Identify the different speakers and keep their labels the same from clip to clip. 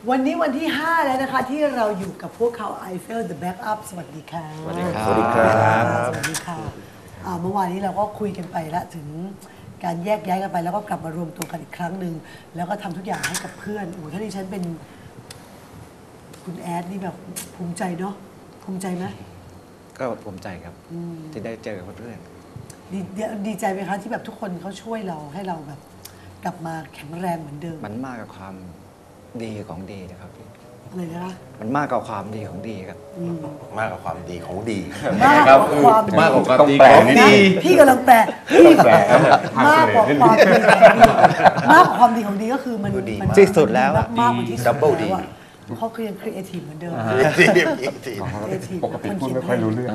Speaker 1: วันนี้วันที่ 5 แล้วนะคะที่เราอยู่กับพวกเขา Eiffel The Backup สวัสดีค่ะ
Speaker 2: สวัสดีครับสวัสดีครับ
Speaker 1: สวัสดีค่ะเมื่อวานนี้เราก็คุยกันไปแล้วถึงการแยกย้ายกันไปแล้วก็กลับมารวมตัวกันอีกครั้งหนึ่งแล้วก็ทำทุกอย่างให้กับเพื่อนโอ้ถ้าดิฉันเป็นคุณแอดนี่แบบภูมิใจเนาะภูมิใจไหม
Speaker 2: ก็ภูมิใจครับที่ได้เจอกับเพื่อน
Speaker 1: ดีใจไหมคะที่แบบทุกคนเขาช่วยเราให้เราแบบกลับมาแข็งแรงเหมือนเดิม
Speaker 2: มันมากกว่าความดีของดีนะครับ
Speaker 1: อะไรนะคะ
Speaker 2: มันมากกว่าความดีของดีครับ
Speaker 3: มากกว่าความดีของดี
Speaker 1: มากกว่าความ
Speaker 4: มากกว่าความดี
Speaker 3: ของดี
Speaker 1: พี่กำลังแปลพี่มากกว่าความดีมากกว่าความดีของดีก็คือมัน
Speaker 2: ที่สุดแล้ว
Speaker 1: มากกว่าที่สุดแล้วเขาคือยังครีเอทีฟเหมือนเดิม
Speaker 4: ปกติพูดไม่ค่อยรู้เรื่อง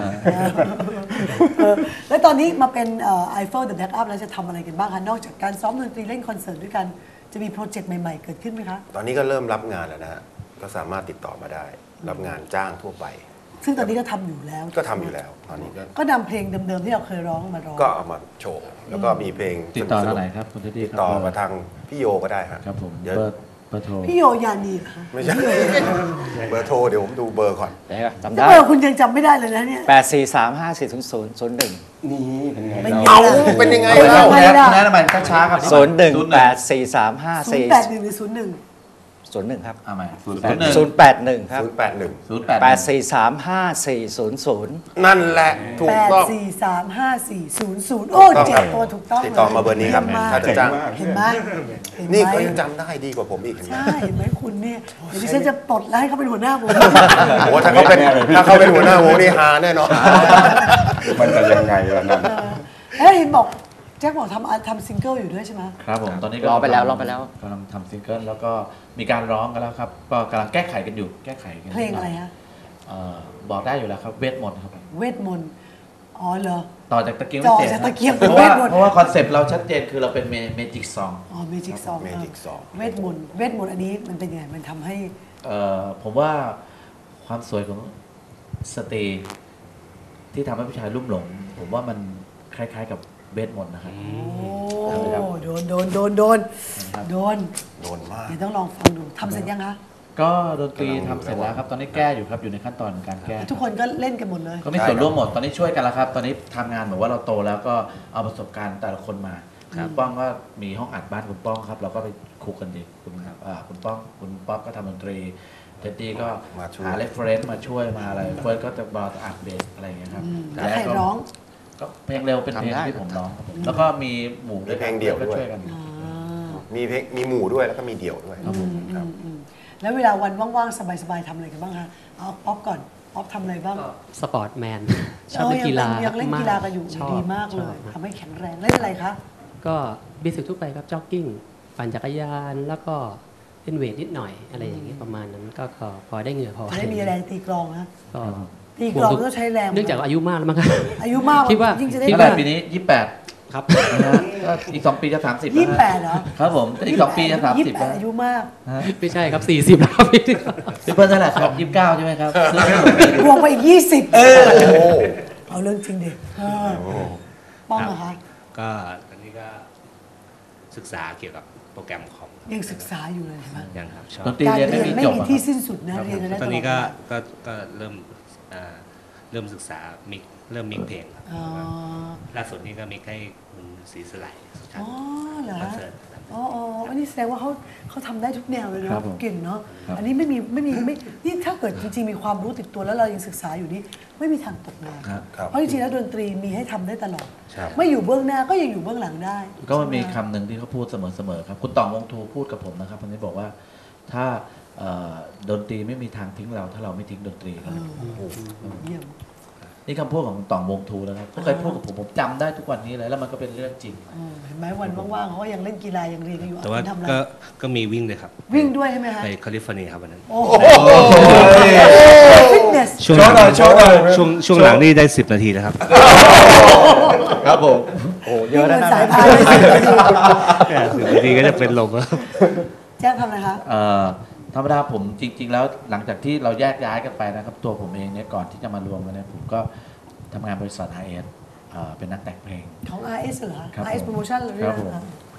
Speaker 1: แล้วตอนนี้มาเป็นEiffel The Backup แล้วจะทำอะไรกันบ้างคะนอกจากการซ้อมดนตรีเล่นคอนเสิร์ตด้วยกันจะมีโปรเจกต์ใหม่ๆเกิดขึ้นไหมคะ
Speaker 3: ตอนนี้ก็เริ่มรับงานแล้วนะฮะก็สามารถติดต่อมาได้รับงานจ้างทั่วไป
Speaker 1: ซึ่งตอนนี้ก็ทำอยู่แล้ว
Speaker 3: ก็ทำอยู่แล้วตอนนี้
Speaker 1: ก็นำเพลงเดิมๆที่เราเคยร้องมาร้อง
Speaker 3: ก็เอามาโชว์แล้วก็มีเพลง
Speaker 4: ติดต่อทางไหนครับคุณเท็ดดี้
Speaker 3: ติดต่อมาทางพี่โยก็ได้ฮะ
Speaker 4: ครับผมเบอร์โทร
Speaker 1: พี่โยยานีค่ะ
Speaker 3: ไม่ใช่เบอร์โทรเดี๋ยวผมดูเบอร์ก่อน
Speaker 2: จำได้
Speaker 1: เบอร์คุณยังจำไม่ได้เลยนะเนี่ย
Speaker 2: 843540001
Speaker 4: นี่เป็นไง
Speaker 3: เอาเป็นยังไงเล่า
Speaker 4: แนะนำมันช้าครับ
Speaker 2: 0184354081
Speaker 1: หรือ01
Speaker 2: ครับ
Speaker 4: เอาใหม่
Speaker 2: 081ครับ
Speaker 3: 841นั่นแหละถูกต้อง
Speaker 1: 8435400โอ้เจ็บตัวถูกต้อง
Speaker 3: ติดต่อมาเบอร์นี้ครับถ้าจะจ้าง
Speaker 1: เห็นไหม
Speaker 3: นี่เขายังจำได้ดีกว่าผมอีก
Speaker 1: ใช่เห็นไหมคุณเนี่ยเดี๋ยวดิฉันจะปลดแล้วให้เขาเป็นหัวหน้าวง
Speaker 3: โอ้ถ้าเขาเป็นหัวหน้าวงนี่ฮาแน่นอน
Speaker 4: มันจะยังไงล่ะนั่น
Speaker 1: เห็นบอกแจ็คบอกทำซิงเกิลอยู่ด้วยใช่ไหม
Speaker 4: ครับผมตอนนี้
Speaker 2: ร้องไปแล้ว
Speaker 4: กำลังทำซิงเกิลแล้วก็มีการร้องกันแล้วครับก็กำลังแก้ไขกันอยู่
Speaker 1: เพลงอะไรฮะ
Speaker 4: บอกได้อยู่แล้วครับเวทมนต์ครับ
Speaker 1: เวทมนต์อ๋อเหรอ
Speaker 4: ต่อจากตะเกียงเพราะว่าคอนเซปต์เราชัดเจนคือเราเป็นเมจิกซอง
Speaker 1: อ๋อเมจิกซองเวทมนต์อันนี้มันเป็นยังไงมันทำให้
Speaker 4: ผมว่าความสวยของสตรีที่ทำให้ผู้ชายลุ่มหลงผมว่ามันคล้ายๆกับเวทมนต์นะครับ
Speaker 1: โอ้โดนมากเดี๋ยวต้องลองฟังดูทำเสร็จยังคะ
Speaker 4: ก็ดนตรีทำเสร็จแล้วครับตอนนี้แก้อยู่ครับอยู่ในขั้นตอนการแก้
Speaker 1: ทุกคนก็เล่นกันหมดเลย
Speaker 4: ก็มีส่วนร่วมหมดตอนนี้ช่วยกันแล้วครับตอนนี้ทำงานเหมือนว่าเราโตแล้วก็เอาประสบการณ์แต่ละคนมาคุณป้องก็มีห้องอัดบ้านคุณป้องครับเราก็ไปคุยกันดีคุณป้องคุณป๊อปก็ทำดนตรีเท็ดดี้ก็หาเรฟเฟรนซ์มาช่วยมาอะไรเฟิร์สก็จะมาอัดเบสอะไรอย่างเงี้ยครับ
Speaker 1: แล้วใครร้อง
Speaker 4: ก็เพลงเร็วเป็นเพลงที่ผมร้องแล้วก็มีหมู่ด้วย
Speaker 3: เพลงเดี่ยวด้วยมีเพลงมีหมู่ด้วยแล้วก็มีเดี่ยวด้วย
Speaker 1: แล้วเวลาวันว่างๆสบายๆทำอะไรกันบ้างคะเอาป๊อปก่อนป๊อปทำอะไรบ้าง
Speaker 5: สปอร์ตแมนชอบเล่นกีฬา
Speaker 1: ยังเล่นกีฬากันอยู่ดีมากเลยทำให้แข็งแรงเล่นอะไรคะ
Speaker 5: ก็เบสิกทั่วไปครับจ็อกกิ้งปั่นจักรยานแล้วก็เล่นเวทนิดหน่อยอะไรอย่างนี้ประมาณนั้นก็พอได้เหงื่อพอ
Speaker 1: ได้มีแรงตีกลองนะตีกลองก็ใช้แรง
Speaker 5: เนื่องจากอายุมากแล้วมั้ง
Speaker 1: อายุมาก
Speaker 5: คิดว่า
Speaker 4: ที่ปีนี้28ครับอีก2 ปีจะ30
Speaker 1: 28เหรอ
Speaker 4: ครับผมอีก2 ปีจะ30แล้ว
Speaker 1: อายุมาก
Speaker 5: ไม่ใช่ครับ40แล้ว
Speaker 4: พี่เพิ่นเท่าไหร่ครับ29ใช่ไหมครับ
Speaker 1: บวกไปอีก20เอาเรื่องจริงดิป้องเหรอคะ
Speaker 6: ก็ตอนนี้ก็ศึกษาเกี่ยวกับโปรแกรมคอม
Speaker 1: ยังศึกษาอยู่เลยใช่ไหม
Speaker 6: ยังครับ
Speaker 1: การเรียนไม่มีที่สิ้นสุดนะเรียนกันได้
Speaker 6: ตอนนี้ก็เริ่มศึกษาเริ่มมิกเพลงครับล่าสุดนี้ก็มิกให้คุณศรีสไล
Speaker 1: อ๋อเหรอ
Speaker 6: คอนเสิร์ต
Speaker 1: อ๋ออันนี้แสดงว่าเขาทำได้ทุกแนวเลยเนาะเก่งเนาะอันนี้ไม่นี่ถ้าเกิดจริงๆมีความรู้ติดตัวแล้วเรายังศึกษาอยู่นี่ไม่มีทางตกงานเพราะจริงๆแล้วดนตรีมีให้ทำได้ตลอดไม่อยู่เบื้องหน้าก็ยังอยู่เบื้องหลังได้
Speaker 4: ก็มันมีคำหนึ่งที่เขาพูดเสมอๆครับคุณต่องวงทูพูดกับผมนะครับคนนี้บอกว่าถ้าดนตรีไม่มีทางทิ้งเราถ้าเราไม่ทิ้งดนตรีครับ
Speaker 1: เยี่ยม
Speaker 4: นี่คำพูดของต่องวงทูนะครับเขาเคยพูดกับผมจำได้ทุกวันนี้เลยแล้วมันก็เป็นเรื่องจริง
Speaker 1: เห็นไหมวันว่างๆเขายังเล่นกีฬายังเรียนอยู่
Speaker 6: แต่ว่าก็มีวิ่งด้วยครับ
Speaker 1: วิ่งด้วยใช่ไหมคะ
Speaker 6: ไปแคลิฟอร์เนียครับวันนั้น
Speaker 1: ฟิตเนส
Speaker 6: ช่วงหลังนี่ได้10 นาทีแล้วครับ
Speaker 4: ครับผม
Speaker 2: โอ้เยอะนะ
Speaker 1: สายพาน
Speaker 6: 10 นาทีก็จะเป็นลมแล้ว
Speaker 1: แจ้งทำอะไรคะ
Speaker 4: ธรรมดาผมจริงๆแล้วหลังจากที่เราแยกย้ายกันไปนะครับตัวผมเองเนี่ยก่อนที่จะมารวมกันเนี่ยผมก็ทำงานบริษัท RS เป็นนักแต่งเพลง
Speaker 1: ของ RS เหรอ RS Promotion หรือ
Speaker 4: ครับผม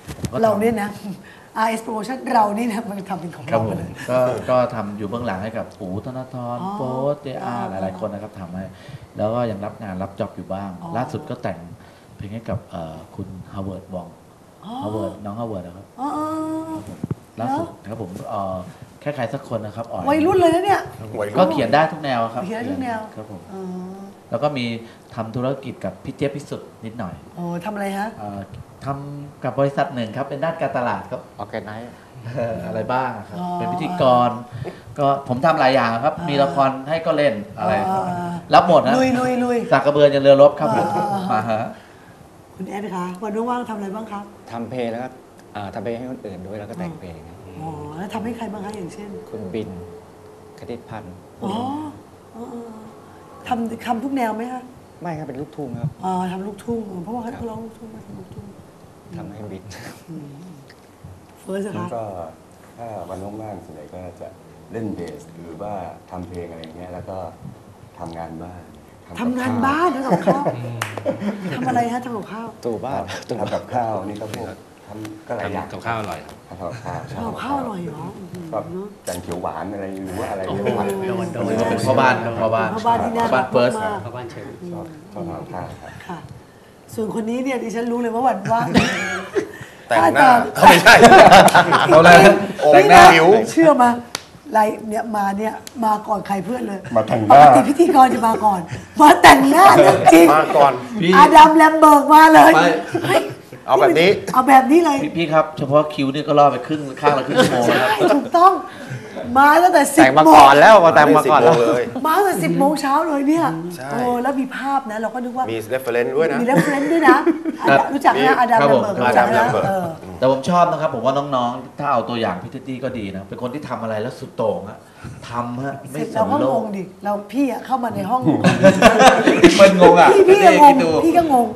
Speaker 1: เราเนี่ยนะ RS Promotion เรานี่นะมันทำเป็นของ
Speaker 4: ครับ
Speaker 1: เรา
Speaker 4: ผ
Speaker 1: ไป
Speaker 4: ม
Speaker 1: เลย
Speaker 4: ก็ทำอยู่เบื้องหลังให้กับอู๋ธนาธร
Speaker 1: อ๋อ
Speaker 4: โป๊ตเจอาหลายๆคนนะครับทำให้แล้วก็ยังรับงานรับจ็อบอยู่บ้าง
Speaker 1: อ๋อ
Speaker 4: ล่าสุดก็แต่งเพลงให้กับคุณฮาวเวิร์ดวอง
Speaker 1: อ๋อ
Speaker 4: ฮาวเวิร์ดน้องฮาวเวิร์ดนะครับ
Speaker 1: อ๋อ
Speaker 4: ล่าสุดครับผมแค่ใครสักคนนะครับอ่อน
Speaker 1: วัยรุ่นเลยนะเนี่ย
Speaker 3: วัยรุ่น
Speaker 4: ก็เขียนได้ทุกแนวครับ
Speaker 1: เขียนได้ทุกแนว
Speaker 4: ครับผม
Speaker 1: อ๋อ
Speaker 4: แล้วก็มีทำธุรกิจกับพี่เจี๊ยบพิสุทธิ์นิดหน่อย
Speaker 1: โอ้ทำอะไรฮะ
Speaker 4: ทำกับบริษัทหนึ่งครับเป็นด้านการตลาดครับ
Speaker 2: ออแกไนซ์
Speaker 4: อะไรบ้างอะครับ
Speaker 1: อ๋อ
Speaker 4: เป็นพิธีกร ก็ผมทำหลายอย่างครับ มีละครให้ก็เล่นอะไร
Speaker 1: อ่า
Speaker 4: รับหมดนะ
Speaker 1: ลุย
Speaker 4: สากกระเบือยันเรือรบครับผม
Speaker 1: อ่า
Speaker 4: มาฮะ
Speaker 1: คุณแอดคะวันว่างๆทำอะไรบ้างครับ
Speaker 2: ทำเพลงแล้วก็ทำเพลงให้คนอื่นด้วยแล้วก็แต่งเพลงครับ
Speaker 1: อ๋อแล้วทำให้ใครบ้างคะอย่างเช่น
Speaker 2: คุณบินคณิตพันธ์
Speaker 1: อ๋ออ๋อทำทุกแนวไหมคะ
Speaker 2: ไม่ครับเป็นลูกทุ่งครับ
Speaker 1: อ๋อทำลูกทุ่งเพราะว่าเขาร้องลูกทุ่งมาทำลูกทุ่ง
Speaker 2: ทำให้บิน
Speaker 1: เฟิร์ส
Speaker 7: แล้ว
Speaker 1: คะ
Speaker 7: ก็ถ้าวันว่างๆส่วนใหญ่ก็จะเล่นเบสหรือว่าทำเพลงอะไรอย่างเงี้ยแล้วก็ทำงานบ้าน
Speaker 1: ทำงานบ้านทำกับข้าวทำอะไรฮะทำกับข้าว
Speaker 2: ตู่บ้าน
Speaker 7: ทำกับข้าวนี่ก็พวกทำก็หลายอย่าง
Speaker 6: ทำกับข้าวอร่อยครับ
Speaker 7: ทำกับข้าว
Speaker 1: ทำกับข้าวอร่อยเหรอ
Speaker 7: ก็แกงเขียวหวานอะไรหรือว่าอะไร
Speaker 1: โอ้โห
Speaker 7: เงี้ย
Speaker 5: โดน
Speaker 4: ก็เป็นพ่อบ้านพ่อบ้าน
Speaker 1: พ่อบ้านที่น่ารัก
Speaker 4: เฟิร์ส
Speaker 1: มาก
Speaker 5: เข้าบ้านเชิญ
Speaker 7: ชอบทำกับข้าวครับ
Speaker 1: ค่ะ ส่วนคนนี้เนี่ยดิฉันรู้เลยว่าวันว่าง
Speaker 3: แต่งหน้าไม่ใช่
Speaker 4: เอาเลย
Speaker 3: แต่งหน้าผิว
Speaker 1: เชื่อมาไรเนี่ยมาก่อนใครเพื่อนเลย
Speaker 7: มาแต่งห
Speaker 1: ป
Speaker 7: น้า
Speaker 1: กติพิธีกรจะมาก่อน มาแต่งหน้าเรื่องจริง
Speaker 3: มาก่อน
Speaker 4: พี่
Speaker 1: อาดัมแลมเบิร์กมาเลย
Speaker 4: ไป
Speaker 1: เฮ้ย
Speaker 3: เอาแบบนี้
Speaker 1: เอาแบบนี้เลย
Speaker 4: พี่ครับ เฉพาะคิวนี่ก็ล่อไปข้างละครึ่งชั่วโมงแล้วครับ
Speaker 1: ใช่ถูกต้อง มาตั้งแต่10
Speaker 2: แต่งมา
Speaker 1: โม
Speaker 2: ก่
Speaker 1: ง
Speaker 2: อนแล้วแต่งมาก่อนแล้ว
Speaker 3: 10 โมงเลย
Speaker 1: มาตั้งแต่10 โมงเช้าเลยเนี่ย
Speaker 3: ใช่
Speaker 1: โอ้แล้วมีภาพนะ เราก็นึกว่า
Speaker 3: มี reference ด้วยนะ
Speaker 1: มีเรฟเฟรนซ์ด้วยนะรู้จักนะอาดัม
Speaker 4: ครับ
Speaker 1: แล
Speaker 4: ผม ม
Speaker 1: เบิร์กรู้จัก
Speaker 3: อาดัมแล
Speaker 1: นะ
Speaker 3: มเบิร์ก
Speaker 4: แต่ผมชอบนะครับ ผมว่าน้องๆ ถ้าเอาตัวอย่างพี่เท็ดดี้ก็ดีนะ เป็นคนที่ทำอะไรแล้วสุดโต่งอะทำฮะ
Speaker 1: เส
Speaker 4: ไม่
Speaker 1: ร็จ
Speaker 4: ส
Speaker 1: เรา
Speaker 4: น
Speaker 1: ก็
Speaker 4: โล
Speaker 1: ง
Speaker 4: ก
Speaker 1: งดิเราพี่อะเข้ามาในห้อง
Speaker 4: มันงงอ่ะ
Speaker 1: พี่ก็ง
Speaker 4: คิ
Speaker 1: ง
Speaker 4: ดดู
Speaker 1: พี่ก็งง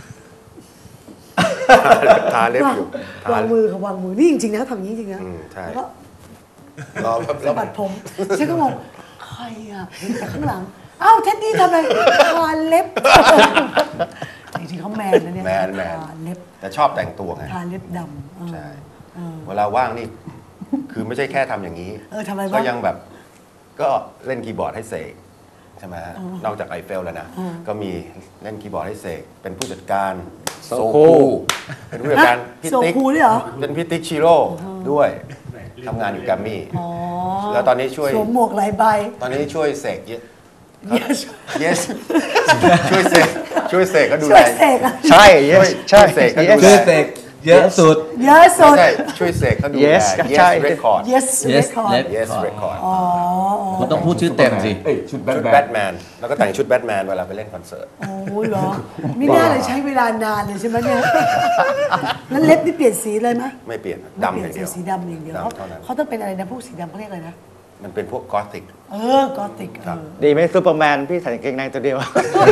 Speaker 3: ทาเล็บอยู่ทาว
Speaker 1: างมือค่ะวางมือนี่จริงๆนะทำอย่างนี้จริงๆนะ
Speaker 3: ใช่
Speaker 1: แล้วก็
Speaker 3: รอครับ
Speaker 1: สะบัดผมฉันก็งงใครอ่ะแต่ข้างหลังอ้าวเท็ดดี้ทำอะไรทาเล็บจริงๆเขาแมนนะเนี่ย
Speaker 3: แมน
Speaker 1: ทาเล็บ
Speaker 3: แต่ชอบแต่งตัวไง
Speaker 1: ทาเล็บดำเออ
Speaker 3: ใช่
Speaker 1: เออ
Speaker 3: เวลาว่างนี่ คือไม่ใช่แค่ทำอย่างนี้
Speaker 1: ทำอะไรบ้าง
Speaker 3: ก็ยังแบบ ก็เล่นคีย์บอร์ดให้เสกใช่ไหมฮะนอกจากไอเฟลแล้วนะ ก็มีเล่นคีย์บอร์ดให้เสกเป็นผู้จัดการโซคูเป็นผู้จัดการพี่
Speaker 1: โซ
Speaker 3: ติ๊ก
Speaker 1: คูด้วยเหรอ
Speaker 3: เป็นพี่ติ๊กชิโร่ด้วยทำงานอยู่แกรมมี่
Speaker 1: อ๋อ
Speaker 3: แล้วตอนนี้ช่วย
Speaker 1: สวมหมวกหลายใบ
Speaker 3: ตอนนี้ช่วยเสกเย
Speaker 1: Yes
Speaker 3: yes ช่วยเสกก็ดู
Speaker 1: ช่
Speaker 3: แล
Speaker 1: วยเสกอะ
Speaker 2: ใช่
Speaker 3: ช่วยเสกก็ดูแล
Speaker 4: คือเสกเยอะสุด
Speaker 1: เยอะสุด
Speaker 3: ไม่ใช่ช่วยเสกก็ดูแล
Speaker 2: Yes ใช่
Speaker 3: yes record
Speaker 1: yes
Speaker 4: Yes
Speaker 1: record
Speaker 3: yes record
Speaker 1: อ๋อ
Speaker 4: คุณต้องพูดชื่อเต็มสิ
Speaker 7: เอ้ยชุดแบ
Speaker 3: ชุด
Speaker 7: ท
Speaker 3: แบ
Speaker 7: แม
Speaker 3: ท
Speaker 7: น
Speaker 3: แมนแล้วก็แต่งชุดแบทแมนเวลาไปเล่นคอนเสิร์ต
Speaker 1: โอ้ยเหรอไม่น่าเลยใช้เวลานานเลยใช่ไหมเนี่ยแล้วเล็บนี่เปลี่ยนสีเลยไหม
Speaker 3: ไม่เปลี่ยน
Speaker 1: ไม่
Speaker 3: ดำ
Speaker 1: เป
Speaker 3: อ
Speaker 1: ลี่ยน
Speaker 3: ย่างเดียว
Speaker 1: สีดำอย่างเดียว
Speaker 3: ดำเท่านั้น
Speaker 1: เขาต้องเป็นอะไรนะพวกสีดำเขาเรียกอะไรนะ
Speaker 3: มันเป็นพวกกอธิก
Speaker 1: กอติก
Speaker 3: ครับ
Speaker 2: ดีไหมซูเปอร์แมนพี่ใส่กางเกงในตัวเดียว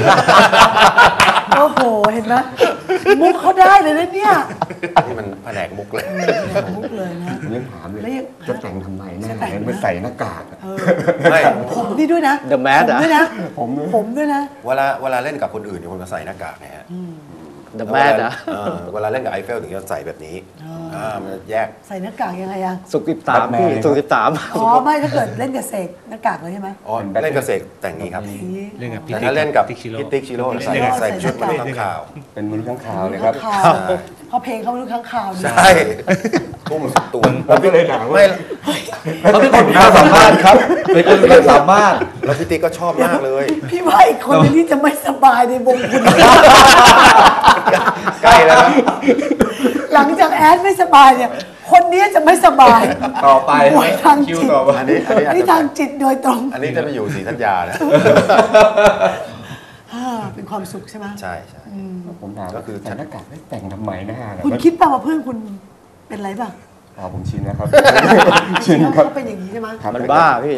Speaker 1: โอ้โหเห็นไหมมุกเขาได้เลยนะเนี่ย
Speaker 3: นี่มันแผนกมุกเลย
Speaker 1: มุกเลยนะ
Speaker 7: ผมยังถามเลย
Speaker 1: แล้วยัง
Speaker 7: จะแต่งทำไมหน้า
Speaker 1: จะแต่ง
Speaker 7: ไม่ใส่หน้ากากอะ
Speaker 3: ไม่
Speaker 1: ผมนี่ด้วยนะ
Speaker 2: The Mask
Speaker 1: ผมด้วยนะ ผมด้วยนะ
Speaker 3: เวลาเล่นกับคนอื่นเนี่ยคนมาใส่หน้ากากนะฮะ
Speaker 2: The m a d นะ
Speaker 3: เวลาเล่นกับไอเฟลถึงจะใส่แบบนี้มันจะแยก
Speaker 1: ใส่หน้ากากยังไงอะ
Speaker 2: สุก13พี่สุก13
Speaker 1: อ๋อไม่ถ้าเกิดเล่นกับเสกหน้ากากเลยใช่ไหม
Speaker 3: อ๋อเล่นกับเสกแต่งนี้ครับ
Speaker 1: อย่างนี้
Speaker 6: เรื่องกับพี่
Speaker 3: แต่ถ้าเล่นกับ
Speaker 6: ติ๊กชิโร่
Speaker 3: พี่ติ๊กชิโร่ใส่
Speaker 1: เล่นกับ
Speaker 3: ใส่ชุดมนุษย์ข้างข่าว
Speaker 7: เป็นมนุษย์ข้างคาวเลยครับ
Speaker 1: ข้างข่าวเขาเพลงเขาไม่รู้ข้างข่าวดี
Speaker 3: ใช่ทุ่มสุดตัว
Speaker 7: ผมก็เลยถามว่า
Speaker 3: ไม่
Speaker 4: เขาเป็นคนมีความสามารถครับ เป็นคนมีความสามารถ
Speaker 3: แล้วพี่ติ๊กก็ชอบมากเลย
Speaker 1: พี่ว่าอีกคนนึงที่จะไม่สบายในวงคุณ
Speaker 3: ใกล้แล้วนะ
Speaker 1: หลังจากแอดไม่สบายเนี่ย คนนี้จะไม่สบาย
Speaker 4: ต่อไป
Speaker 1: ป่วยทาง
Speaker 4: คิว
Speaker 1: จิต
Speaker 4: ต่อไป
Speaker 3: อันนี้อาจ
Speaker 1: นี่
Speaker 3: จะ
Speaker 1: ทางจิตโดยตรง
Speaker 3: อันนี้จะไปอยู่ศรีธัญญานะ
Speaker 1: เป็นความสุขใช่ไหม
Speaker 3: ใช่ใช่
Speaker 7: ผมถาม
Speaker 3: ก็คือ
Speaker 7: ใส่หน้ากากไม่แต่งทำไมหน้าเนี่ย
Speaker 1: คุณคิดป่ะว่าเพื่อนคุณเป็นไรป่ะ
Speaker 7: อ๋อผมชินนะครับ ชินครับ
Speaker 1: เขาเป็นอย่างนี้ใช่ไหม
Speaker 7: ครับ
Speaker 2: มันบ้าพี่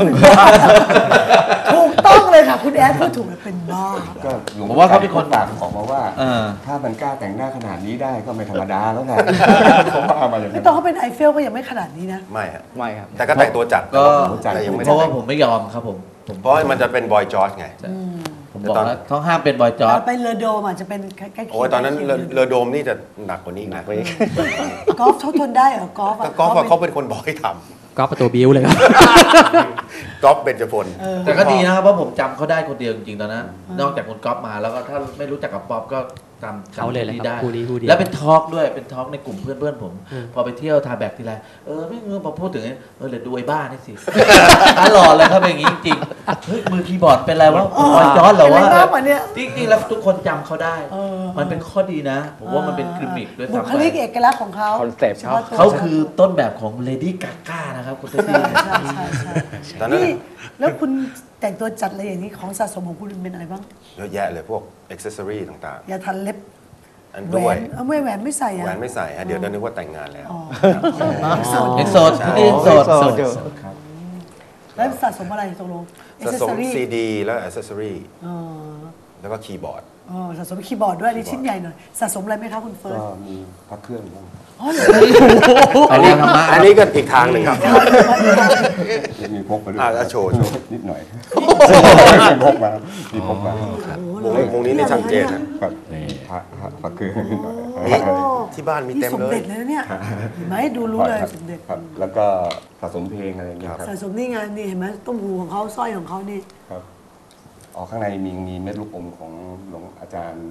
Speaker 1: ถูกต้องเลยค่ะ คุณแอดพูดถูกเลยเป็นบ้า
Speaker 7: ก็หลวง
Speaker 4: ผมว่าเขาเป็นคน
Speaker 7: ฝากออกมาว่า
Speaker 4: เออ
Speaker 7: ถ้ามันกล้าแต่งหน้าขนาดนี้ได้ก็ไม่ธรรมดาแล้วนะเขาว่ามาอย่าง
Speaker 1: ไม่
Speaker 7: นั้น
Speaker 1: ตอนเขาเป็นไอเฟลก็ยังไม่ขนาดนี้นะ
Speaker 3: ไม่ฮะ
Speaker 2: ไม่ครับ
Speaker 3: แต่ก็แต่งตัวจัด
Speaker 4: ก็
Speaker 3: แต่ยังไม่
Speaker 4: เพ
Speaker 3: ได้
Speaker 4: ราะว่า
Speaker 3: แต่ง
Speaker 4: ผมไม่ยอมครับผม
Speaker 3: เพราะมันจะเป็นบอยจอร์จไง
Speaker 4: ผมบอกแล้วต้องห้ามเป็นบอยจอร์จ
Speaker 1: ไปเรือโดมอาจจะเป็นใกล้ๆ
Speaker 3: โอ้ยตอนนั้นเรือโดมนี่จะหนักกว่านี้อีกนะ
Speaker 1: กอล์ฟเขาทนได้เหรอกอล์ฟ
Speaker 3: ก็กอล์ฟเขาเป็นคนบอกให้ท
Speaker 5: ก็ประตูบิ้วเลยครับ
Speaker 3: ำกอล์ฟเบญจพล
Speaker 4: แต่ก็ดีนะครับเพราะผมจำเขาได้คนเดียวจริงๆตอนนั้นนอกจากคุณก๊อฟมาแล้วก็ถ้าไม่รู้จักกับป๊อปก็จำ
Speaker 5: เขาเลยแหละ
Speaker 4: นี้
Speaker 5: ครับ
Speaker 4: ได้
Speaker 5: คู่นี้คู่เดียว
Speaker 4: แล้วเป็นทอล์กด้วยเป็นทอล์กในกลุ่มเพื่อนๆผม พอไปเที่ยวทาแบกทีไรไม่เงือพอพูดถึงเดี๋ยวดูไอ้บ้านี่สิ ตลอดเลยครับเป็นอย่างนี้จริงๆเฮ้ยมือคีย์บอร์ดเป็นอะไรวะบอยจอร์จเหรอวะ
Speaker 1: เป็นอะไรมากกว่าเนี้ย
Speaker 4: จริงๆแล้วทุกคนจำเขาได้ มันเป็นข้อดีนะผมว่ามันเป็นกิมมิคด้วย
Speaker 1: บุ
Speaker 4: ซ้ำ
Speaker 1: ค
Speaker 4: ไป
Speaker 1: ลิกเอกลักษณ์ของเขา
Speaker 2: คอนเซปต์เขา
Speaker 4: เขาคือต้นแบบของเลดี้กาก้านะครับคุณเต้
Speaker 1: ใช่ใช่ใช่
Speaker 3: ตอนนั้น
Speaker 1: นี่แล้วคุณแต่งตัวจัดอะไรอย่างนี้ของสะสมของคุณเป็นอะไรบ้าง
Speaker 3: เยอะแยะเลยพวกอ็อกเซสซอรี่ต่าง
Speaker 1: ยาทันเล็บ
Speaker 3: ๆ อัน
Speaker 1: แหว
Speaker 3: ด้วย
Speaker 1: นเอาไม่แหวนไม่ใส่อะ
Speaker 3: แหวนไม่ใส่ฮะเดี๋ยวนึกว่าแต่งงานแล้ว
Speaker 1: อ๋อ
Speaker 4: เอ็กโซดที่นี่เอ็กโซด
Speaker 2: โสดอยู่
Speaker 4: ครับ
Speaker 1: แล้วสะสมอะไรตกลง
Speaker 3: สะสม
Speaker 1: accessory
Speaker 3: ซีดีแล้วอ็อกเซสซอรี่
Speaker 1: อ๋อ
Speaker 3: แล้วก็คีย์บอร์ด
Speaker 1: อ๋อสะสมคีย์บอร์ดด้วยอันนี่ชิ้นใหญ่หน่อยสะสมอะไรไหมคะคุณเฟิร์
Speaker 7: ก็
Speaker 1: ส
Speaker 7: มีพระเครื่องบ้าง
Speaker 1: อ๋อเหรอ
Speaker 4: อันนี้ธรรมะ
Speaker 3: อันนี้ก็อีกทางหนึ่งครับ
Speaker 7: มีพกไปด้วย
Speaker 3: โชว์
Speaker 7: นิดหน่อยมีพกมามีพกมา
Speaker 3: วงนี้นี่ชัดเจนนะ
Speaker 7: ครับพระเครื่องนิดหน่อย
Speaker 3: นี่ที่บ้านมีเต็ม
Speaker 1: นี่สม
Speaker 3: เล
Speaker 1: เด็
Speaker 3: ย
Speaker 1: จเลยนะเนี่ยเห็นไหมดูรู้เลยสมเด็จ
Speaker 7: ครับ แล้วก็สะสมเพลงอะไรอย่างเงี้ยครับ
Speaker 1: สะสมนี่ไงนี่เห็นไหมต้มหูของเขาสร้อยของเขานี่
Speaker 7: ครับอ๋อข้างในมีเม็ดลูกอมของหลวงอาจารย์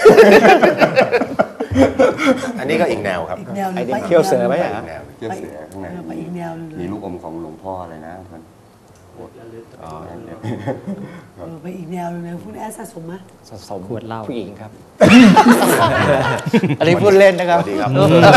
Speaker 3: อันนี้ก็อีกแนวครับ
Speaker 1: อีกแนวหนึ
Speaker 2: ไอ้
Speaker 1: ง
Speaker 2: นี่
Speaker 1: ไปก
Speaker 2: เขี้ยวเสือไหม
Speaker 3: อี
Speaker 2: อ่ะ
Speaker 3: กแนว
Speaker 7: เที่ยวเสือข้างใน
Speaker 1: ไปอีกแนวหนึงเลย
Speaker 7: มีลูกอมของหลวงพ่ออะไรนะท่าน
Speaker 1: ไปอีกแนวหนึงเลยคุณแอดสะสมไหม
Speaker 2: สะสม
Speaker 5: ขวดเหล้า
Speaker 2: ผู้หญิงครับ อันนี้พูดเล่นนะครับ
Speaker 3: สวัสดีครับ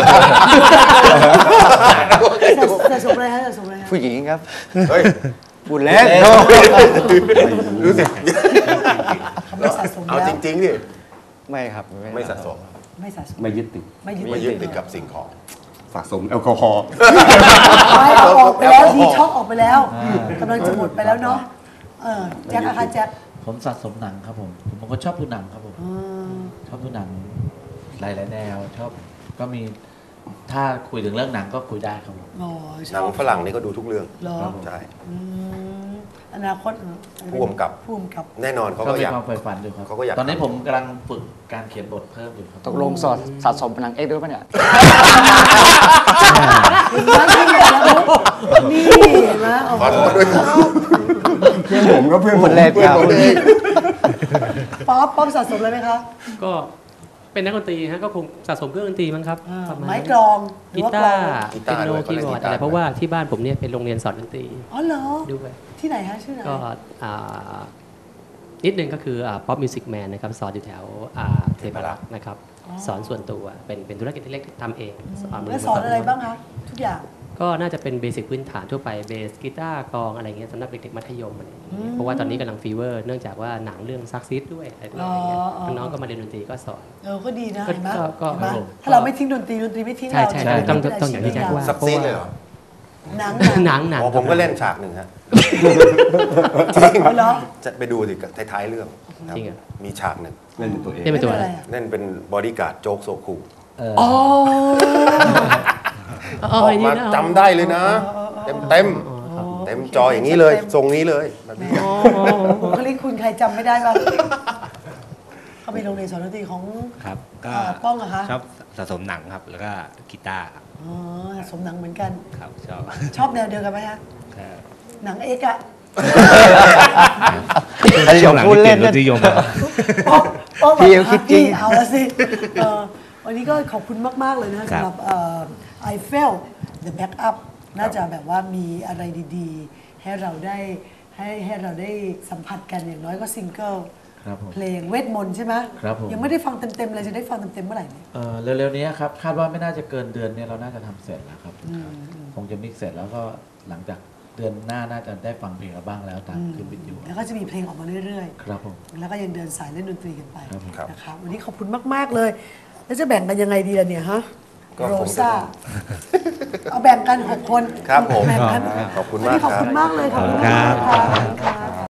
Speaker 1: สะสมอะไรฮะสะสมอะไรฮะ
Speaker 2: ผู้หญิงครับ
Speaker 3: เฮ้ย
Speaker 2: พูดเล่น
Speaker 3: รู้สึก
Speaker 1: เขาไม่สะสม
Speaker 3: เอา
Speaker 1: แล้ว
Speaker 3: จริงๆดิ
Speaker 2: ไม่ครับ
Speaker 3: ไม่สะสม
Speaker 1: ไม่สะสม
Speaker 7: ไม่ยึดติด
Speaker 1: ไม่ยึด
Speaker 3: ไม่ยึดติดกับสิ่งของ
Speaker 7: สะสมแอลกอฮอล์
Speaker 1: ไม่เอาออกไปแล้วดีช็อกออกไปแล้วกำลังจะหมดไปแล้วเนาะแจ็คอะคะแจ็ค
Speaker 4: ผมสะสมหนังครับผมก็ชอบดูหนังครับผม ชอบดูหนังหลายๆแนวชอบก็มีถ้าคุยถึงเรื่องหนังก็คุยได้ครับผม
Speaker 1: อ๋อช
Speaker 3: หนั
Speaker 1: อง บ
Speaker 3: ฝรั่งนี่ก็ดูทุกเรื่อง
Speaker 1: เหรอ
Speaker 3: ใช่
Speaker 1: อนาคต
Speaker 3: ผู้กำกับ
Speaker 1: ผู้กำกับ
Speaker 3: แน่นอนเขา
Speaker 4: ก็
Speaker 3: ก็
Speaker 4: มี
Speaker 3: อยาก
Speaker 4: ความใฝ่ฝันอยู่ครับ
Speaker 3: เขาก็อยาก
Speaker 4: ตอนนี้ผมกำลังฝึกการเขียนบทเพิ่มอยู่ครับ
Speaker 2: ตกลงสะสมหนังเอ็กซ์ด้วยปะเนี่ย
Speaker 1: นี่เห็นไหมโอ้
Speaker 3: ขอโทษด้วยครับ
Speaker 7: เพื่อนผมก็เพื่อนผม
Speaker 2: พูดเล่นครับ
Speaker 1: ป๊อปสะสมอะไรไหมคะ
Speaker 5: ก็เป็นนักดนตรีฮะก็คงสะสมเครื่องดนตรีมั้งครับประาณ
Speaker 1: ไม้
Speaker 5: นั้น
Speaker 1: กลองหรื
Speaker 5: กี
Speaker 1: อว่า
Speaker 5: ตาก
Speaker 1: ลอง
Speaker 5: ร์
Speaker 3: กี
Speaker 5: เปี
Speaker 3: ตาย ร์
Speaker 5: โน
Speaker 3: ด้วย
Speaker 5: คีย์บอร์ด
Speaker 3: กีตาร์
Speaker 5: อะไรเพราะว่าที่บ้านผมเนี่ยเป็นโรงเรียนสอนดนตรี
Speaker 1: อ๋อเหรอ
Speaker 5: ด้วย
Speaker 1: ที่ไหนฮะชื่อไหน
Speaker 5: ก็นิดนึงก็คือป๊อปมิวสิกแมนนะครับสอนอยู่แถวเทพารักษ์นะครับสอนส่วนตัวเป็นธุรกิจที่เล็กทำเองมื
Speaker 1: แล้วสอนอะไรบ้างคะทุกอย่าง
Speaker 5: ก็น่าจะเป็นเบสิกพื้นฐานทั่วไปเบสกีตาร์กลองอะไรเงี้ยสำหรับเด็กๆมัธยมอะไรอย่างเงี้ยเพราะว่าตอนนี้กำลังฟีเวอร์เนื่องจากว่าหนังเรื่องซักซิดด้วยอะไรด้วยอะไรเงี้ยน้องๆก็มาเรียนดนตรีก็สอน
Speaker 1: ก็ดีนะ
Speaker 5: ก็
Speaker 1: เห็นไหม
Speaker 5: ก็
Speaker 1: เห็นไหม
Speaker 5: ก็
Speaker 1: ถ้าเราไม่ทิ้งดนตรีไม่ทิ้ง
Speaker 5: ใช่
Speaker 1: เรา
Speaker 5: ใช่
Speaker 1: จะ
Speaker 5: ต้อง
Speaker 1: เป็น
Speaker 5: ต้องอย่างที่แจ็คว่า
Speaker 3: ซับซีดเลยเหรอ
Speaker 1: หนัง
Speaker 5: หนัง
Speaker 3: อ๋อผมก็เล่นฉากหนึ่งฮะ
Speaker 1: จริงเหรอ
Speaker 3: จะไปดูสิท้ายๆเรื่องครับ
Speaker 5: จริงเหรอ
Speaker 3: มีฉากหนึ่ง
Speaker 7: เล่นเป็นตัวเอง
Speaker 5: เล่นเป็นตัวอะไร
Speaker 3: เล่นเป็นบอดี้การ์ดโจ๊กโซคู
Speaker 1: อ๋อ
Speaker 3: ออกมาจำได้เลยนะ เต็มเต็มจออย่างนี้เลย ทรงนี้เลยแบบนี้
Speaker 1: บุคลิกคุณใครจำไม่ได้บ้างเขามีโรงเรียนสอนดนตรีของ
Speaker 6: ครับก็
Speaker 1: ป้องเหรอคะ
Speaker 6: ชอบสะสมหนังครับ แล้วก็กีตาร์ครับ
Speaker 1: อ๋อสมหนังเหมือนกัน
Speaker 6: ครับชอบ
Speaker 1: ชอบแนวเดียวกันไหมฮะ
Speaker 6: ครับ
Speaker 1: หนังเอกอะ
Speaker 6: ช่วงหลังที่เปลี่ยนรสนิยมครับ
Speaker 1: ป้อง
Speaker 2: พี่เขาคิดจริง
Speaker 1: เอาละสิวันนี้ก็ขอบคุณมาก ๆ เลยนะสำหรับไอเฟล The Backup น่าจะแบบว่ามีอะไรดีๆ ให้เราได้ให้เราได้สัมผัสกันอย่างน้อยก็ซิงเกิล
Speaker 4: ครับผม
Speaker 1: เพลงเวทมนต์ใช่ไหม
Speaker 4: ครับผม
Speaker 1: ยังไม่ได้ฟังเต็มๆเลยจะได้ฟังเต็มๆเมื่อไหร่เนี่ย
Speaker 4: เร็วๆนี้ครับคาดว่าไม่น่าจะเกินเดือนนี้เราน่าจะทำเสร็จแล้วครับคงจะมิกซ์เสร็จแล้วก็หลังจากเดือนหน้าน่าจะได้ฟังเพลงเราบ้างแล้วตามขึ้นวิทยุ
Speaker 1: แล้วก็จะมีเพลงออกมาเรื่อย
Speaker 4: ครับผม
Speaker 1: ๆ แล้วก็ยังเดินสายเล่นดนตรีกันไป
Speaker 4: ครับผม
Speaker 1: นะครับวันนี้ขอบคุณมาก ๆ เลย แล้วจะแบ่งกันยังไงดีล่ะเนี่ยฮะ
Speaker 3: ก็
Speaker 1: โร
Speaker 3: คงจะ
Speaker 1: ซ่า เอาแบ่งกัน 6 คน
Speaker 3: ครับผม
Speaker 1: แบ่งกัน
Speaker 3: ขอบคุณ
Speaker 1: วัน
Speaker 3: มาก
Speaker 1: นี้ขอบ
Speaker 3: ครั
Speaker 1: คุ
Speaker 3: บ
Speaker 1: ณมากเลยขอบคุณ
Speaker 6: ครั
Speaker 1: มาก
Speaker 6: บ
Speaker 1: ค่ะ